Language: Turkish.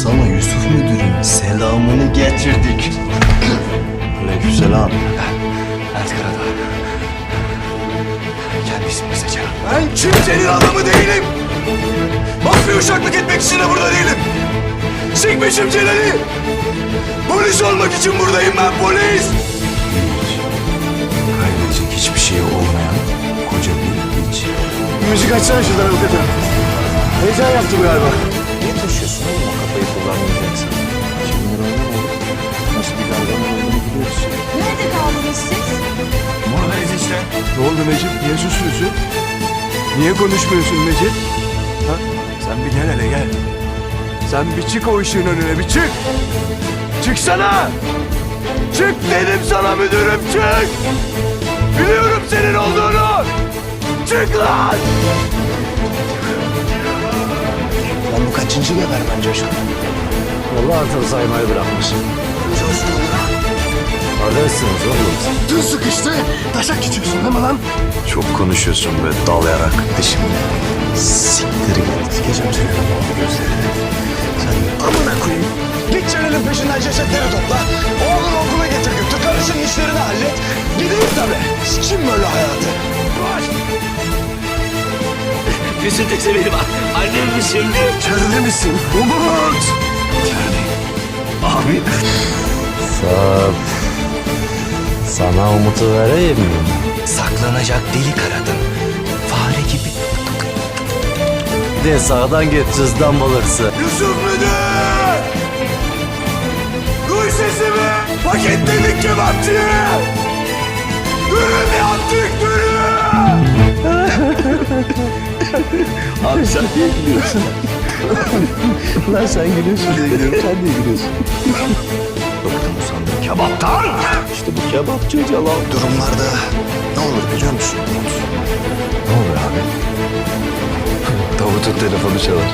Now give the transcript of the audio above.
Sana Yusuf müdürün selamını getirdik. Aleykümselam. Mert Karadağ. Kendi ismini seçelim. Ben kimsenin adamı değilim. Mafya uşaklık etmek için de burada değilim. Sikmişim Celal'i. Polis olmak için buradayım ben, polis. Kaybedecek hiçbir şey olmayan koca bir hiç. Müzik açsana şuradan avukata. Heyecan yaptı bu galiba. Niye taşıyorsun oğlum o kafayı kullanmayacaksın? Kimler oynamalı? Nasıl bir dalga olduğunu biliyoruz. Nerede kaldınız siz? Buradayız işte. Ne oldu Necip? Niye susuyorsun? Niye konuşmuyorsun Necip? Ha? Sen bir gel hele gel. Sen bir çık o ışığın önüne, bir çık. Çıksana. Çık dedim sana müdürüm, çık. Biliyorum senin olduğunu. Çık lan. Lan bu kaçıncı gebermen Coşkun? Vallahi artık saymayı bırakmışım. Kardeşsiniz oğlum. Tın sıkıştı. Taşak geçiyorsun değil mi lan? Çok konuşuyorsun be dalayarak dişimle. Siktir git. Sikeceğim senin o gözlerini. Sen amına koyayım. Git Celal'in peşinden cesetleri topla. Oğlunu okula getir götür. Karısının işlerini hallet. Gideyim tabii. Sikim böyle hayatı. Koş. Füsun teyze benim annem mi şimdi? İçeride misin? Umut. Abi. Sana umutu vereyim mi? Saklanacak delik aradım. Fare gibi. De sağdan git cızdan bulursun. Yusuf müdür. Duy sesimi. Paketledik kebapçıyı. Dürüm yaptık dürüm. Abi sen niye gülüyorsun? Lan sen gülüyorsun diye gülüyorum. Sen niye gülüyorsun? Bıktım usandım kebaptan. İşte bu kebapçı yalan. Durumlarda ne olur biliyor musun? Ne oluyor abi? Davut'un telefonu çalar.